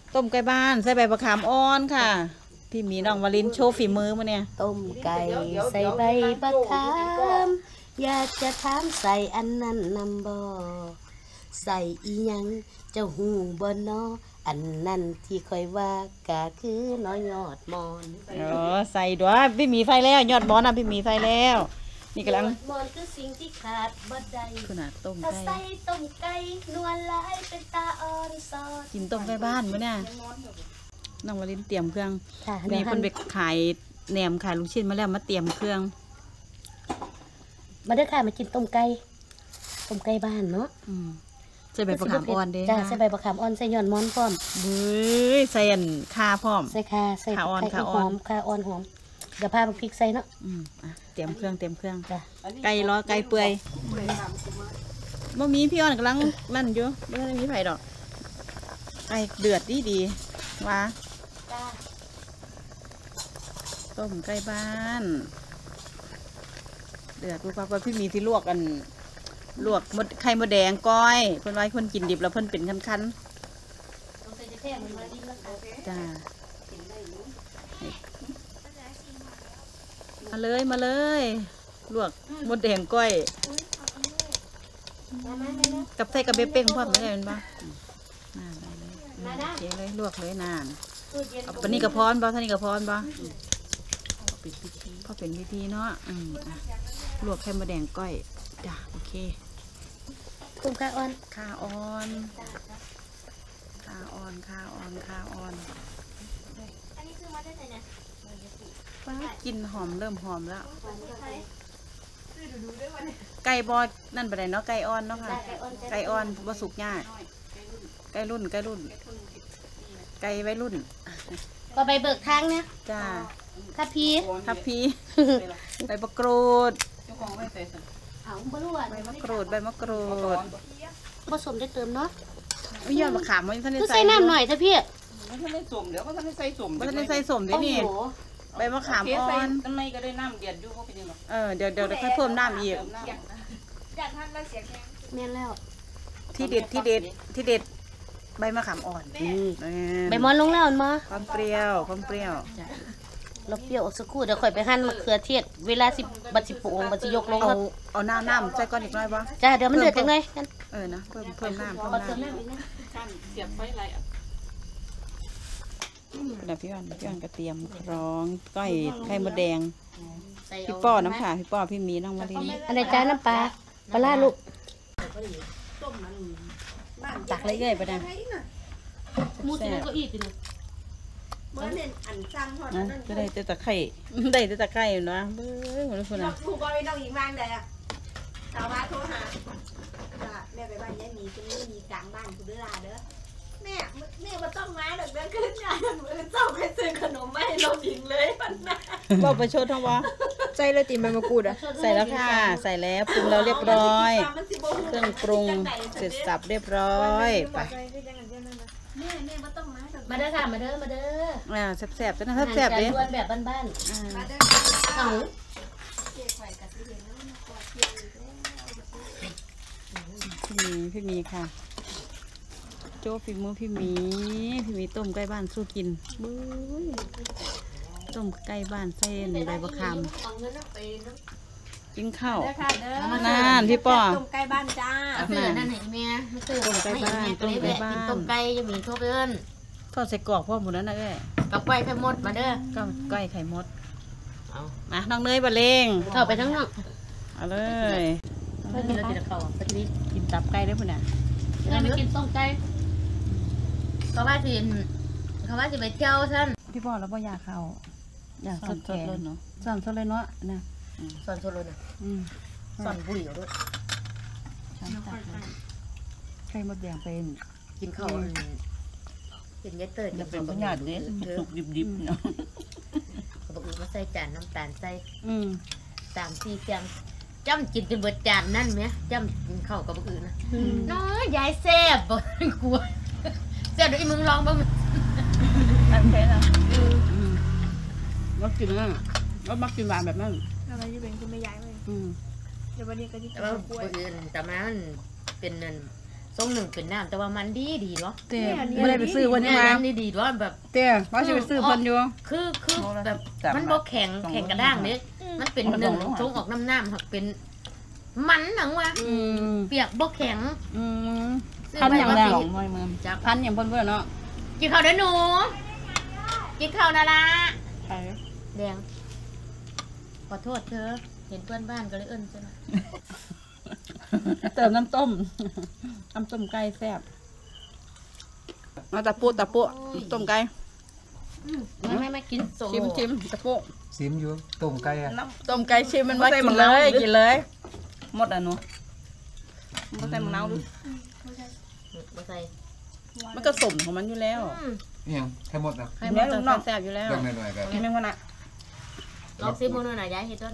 ต้มไก่บ้านใส่ใบมะขามอ่อนค่ะพี่มีน้องวลินโชว์ฝีมือมาเนี่ยต้มไก่ใส่ใบมะขามอยากจะถามใส่อันนั้นนำบ่ใส่อีหยังเจ้าหูบ่นออันนั้นที่ค่อยว่าก็คือน้อยยอดมอนใส่ด้วยพี่มีไฟแล้วยอดบอลนะพี่มีไฟแล้วนี่กำลังมอนคือสิ่งที่ขาดบ่ได้ขนาดต้มไก่ใส่ต้มไก่นวลลายเป็นตาอ่อนซอดกินต้มไก่บ้านมั้ยเนี่ยน้องวลินเตรียมเครื่องนี่คนไปขายแหนมขายลูกชิ้นมาแล้วมาเตรียมเครื่องมาเด้อค่ะมากินต้มไก่บ้านเนาะใส่ใบมะขามอ่อนเด้จ้าใส่ใบมะขามอ่อนใส่ยอดมอนพร้อมเบ้ยใส่ข่าพร้อมใส่ข่าใส่ข่าอ่อนข่าอ่อนหอมเดี๋ยวพาพริกใส่เนาะเตรียมเครื่องจ้ะไก่ล้อไก่เปื่อยบ่มีพี่อ่อนกำลังนั่นอยู่ไม่ได้มีไฟดอกไก่เดือดดีว่าต้มไก่บ้านเดือดปุ๊บปั๊บพี่มีที่ลวกกันลวกมดไข่มดแดงก้อยเพิ่นไว้คนกินดิบแล้วเพิ่นเป็นคันๆจ้ามาเลยลวกมดแดงก้อยกับใส่กับเบเป้งพร้อมไม่ได้เป็นปะเจ๊เลยลวกเลยนานเอาปนี่กระพรบ่ท่านี่กระพรบ่พอเป็นพิธีเนาะลวกไข่มดแดงก้อยจ้าโอเคกุ้งข่าอ่อนอันนี้คือมาได้ไหนเนี่ยป้ากินหอมเริ่มหอมแล้วไก่บอนั่นไปไหนเนาะไก่อ่อนเนาะค่ะไก่อ่อนบ่สุกง่ายไก่รุ่นไก่ไว้รุ่นก็ไปเบิกทางเนี่ยจ้าทับพีใบมะกรูดใบมะกรูดผสมได้เติมเนาะไม่ยอดมะขามมันท่านได้ใส่น้ำหน่อยเถอะพี่ท่านได้สมเดี๋ยวก็ท่านได้ใส่สมท่านได้ใส่สมด้วยนี่ใบมะขามอ่อนทำไมก็ได้น้ำเดือดอยู่เขาเป็นยังไงเดี๋ยวค่อยเพิ่มน้ำอีกอยากทานแล้วเสียแข็งแม่นแล้วที่เด็ดใบมะขามอ่อนใบมอนลงแล้วมาความเปรี้ยวเราเปรี้ยวสักครู่เดี๋ยวค่อยไปหั่นมะเขือเทศเวลา10 บัด 10 โมงบัดสิยกลงเอาน้ำใส่ก้อนอีกน้อยป่ะจ้าเดี๋ยวมันเดือดจังเลยนะเพิ่มน้ำเสียบไฟไรเดี๋ยวพี่อ่อนก็เตรียมคล้องก้อยไข่มดแดงพี่ป้อน้ำขาพี่ป้อพี่มีน้องมาลีอันไหนจ้าน้ำปลาล่าลูกตักเลยเกยไปนะมูสก็อีกเลยเมื่อเน้นอันจังหอดนั่นก็ได้แต่ตะไคร้นะเบ้อหมดแล้วคนน่ะถูกบอยน้องหญิงวางใดอ่ะชาวบ้านโทรหาแม่ไปบ้านยายมีคุณมีกลางบ้านคุณเด้อเด้อแม่มาต้องมาเดินขึ้นงานมือเจ้าไปซื้อขนมมาให้น้องหญิงเลยมันนะบอกประชดทั้งวะใส่เลยติใบมะกรูดอ่ะใส่แล้วค่ะใส่แล้วปรุงแล้วเรียบร้อยเครื่องปรุงเสร็จสับเรียบร้อยไปแม่มาต้องมาเด้อค่ะมาเด้อแซ่บๆจ้ะนะแซ่บๆดิแบบบ้านๆเอาพี่มีค่ะโจ้ฝีมือพี่มีต้มไก่บ้านสู้กินบื้อต้มไก่บ้านเส้นใบมะขามกินข้าวนั่นพี่ป้อต้มไก่บ้านจ้านั่นไหนแม่ต้มไก่บ้านต้มไก่จะมีทั่วเพื่อนทอดใส่กรอกพ่อหมดแล้วนะกับไก่ไข่มดมาเด้อก็ไก่ไข่มดมาน้องเนยบะเลงเข้าไปทั้งนอกเอาเลยไม่กินแล้วกินข้าวปฏิทินกินตับไก่ได้ปุ่นน่ะไม่กินต้มไก่เขาว่าจะไปเที่ยวท่านพี่ป้อแล้วพ่อยาเขาอยากสดเลยเนาะสอนสดเลยเนาะนะสอนสดเลยนะสอนบุหรี่ด้วยไข่มดแดงเป็นกินข้าวเป็นยัดเตยจะเป็นปัญญาเด็ดสุกดิบๆเนาะเขาบอกว่าใส่จานน้ำตาลใส่3-4 เสียงจ้ำกินจนเบิดจานนั่นไหมจ้ำกินข้าวกับอื่นนะน้อยยายแซ่บบ่กลัวแซ่บด้วยมึงลองบ้างอันแค่นะมักกินนั่นก็มักกินหวานแบบนั้นอะไรจะเป็นคุณไม่ย้ายเลยเดี๋ยววันนี้ก็ที่จะกล้วยแต่มันเป็นทรงหนึ่งเป็นน้ำแต่ว่ามันดีเนาะเต้ไม่ได้ไปซื้อวันนี้มามันดีๆว่าแบบเต้ว่าจะไปซื้อเพิ่นอยู่คือแบบมันบ่แข็งกระด้างเด้มันเป็นหนึ่งทรงออกน้ำหักเป็นมันหนังว่ะอืมเปียกบ่แข็งอืมซื้อพันไปอย่างว่าแรสิงพันอย่างเพิ่นเพิ่นเนาะกินข้าวเด้อหนูกินข้าวนะล่ะไปแดงขอโทษเธอเห็นเพื่อนบ้านก็เลยเอิ้นซะหน่อยเติมน้ำต้มน้ำต้มไก่แซ่บมาตะปูต้มไก่ไม่กินโซชิมตะปูซิมอยู่ต้มไก่อะต้มไก่ชิมมันว่ากินเลยกินเลยหมดอ่ะหนูบ่ใส่มะนาวดูบ่ใส่มันก็สมของมันอยู่แล้วอิหยังให้หมดนะให้มันแซ่บอยู่แล้วเรื่องหน่อยๆกันกินแม่งวันน่ะลองซิมมื้อหน่อยนะยายเฮ็ดด้วย